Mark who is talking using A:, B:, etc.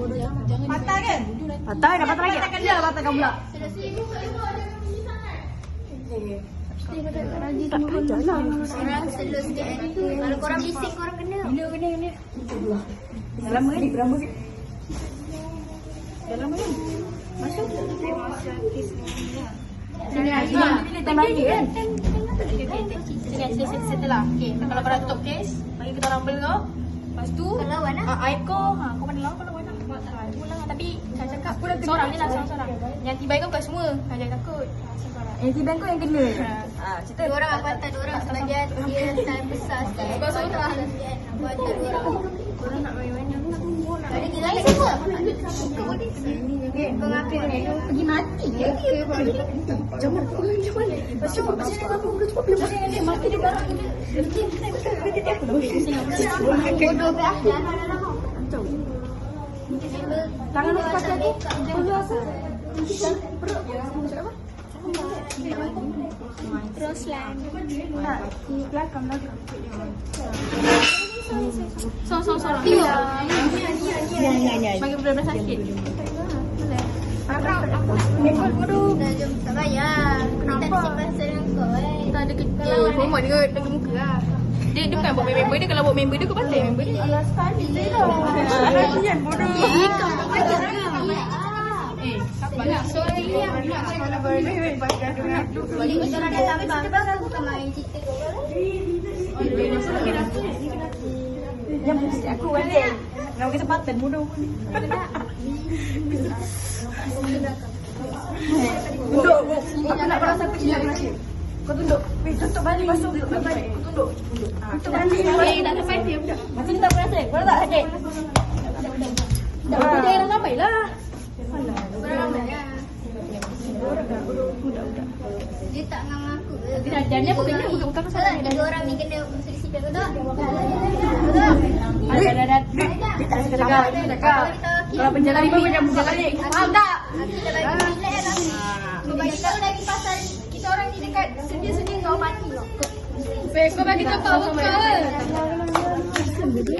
A: Patah kan?
B: Patah dah patah lagi.
A: Patahkan dia, patahkan pula.
C: Orang slow sikit kan. Kalau korang bising korang kena.
A: Kena. Dah lama kan? Berapa kan? Dah lama kan? Masuk. Sini lagi kan? Sini setelah. Okey, kalau korang tutup kes, bagi kita rumble kau. Lepas tu
C: Kalau lawan lah.
A: aib kau, kau mana lawan kau lawan lah. Cubalah tapi jangan cakap seorang je lah, seorang. Yang tibai kau bukan semua. Jangan takut. Yang tibai kau yang kena. Cerita.
C: Dua orang apa hantar dua orang sebagian dia time besar sikit.
A: Kau seorang.
C: Apa hantar dua orang.
A: Korang nak main mana?
C: Ada kita lagi semua. Pengaku
A: Pergi mati ke? Jangan. Pasal aku udah cuba bila pasal dia mati dia barang dia.
C: bodoh ke lah.
A: Tangan aku pakai aku. Perlu apa? Perut. Macam apa?
C: Roslan.
A: Tak, di belakang. So. Ya. Bagi benar-benar sakit. Mekol bodoh.
C: Dah jom tak payah. Kita ada simpan dengan kau
A: Kita ada kerja. Hormat dia lagi muka lah. Dia bukan buat member dia. Kalau buat member dia kau pandai member dia. Alah sekali je lah. Kasihan bodoh.
C: Kau tak payah ke?
A: Banyak sorry yang
C: Boleh kita orang datang kita baru bukan main cerita kau lah.
A: yang mesti aku balik. Nak kesempatan bodoh pun. Tunduk. Aku nak rasa aku cakap nasi. Kau tunduk. Tutup balik masuk. Tutup balik. Tunduk. Tutup balik. Dah sampai dia budak. Macam ni tak berasa. Kau tak sakit. Dah dia sampai lah.
C: Orang ramai lah. Dia tak dengan aku ke?
A: Jangan apa kena bukan pasal
C: Tak, tiga orang ni kena selisih betul tak?
A: Ada. Dia tak cakap. Kalau penjara ni macam buka balik. Faham tak?
C: Kita bagi relax lah. Kau bagi tahu lagi pasal kita orang ni dekat sedia-sedia kau mati.
A: Kau bagi tahu power.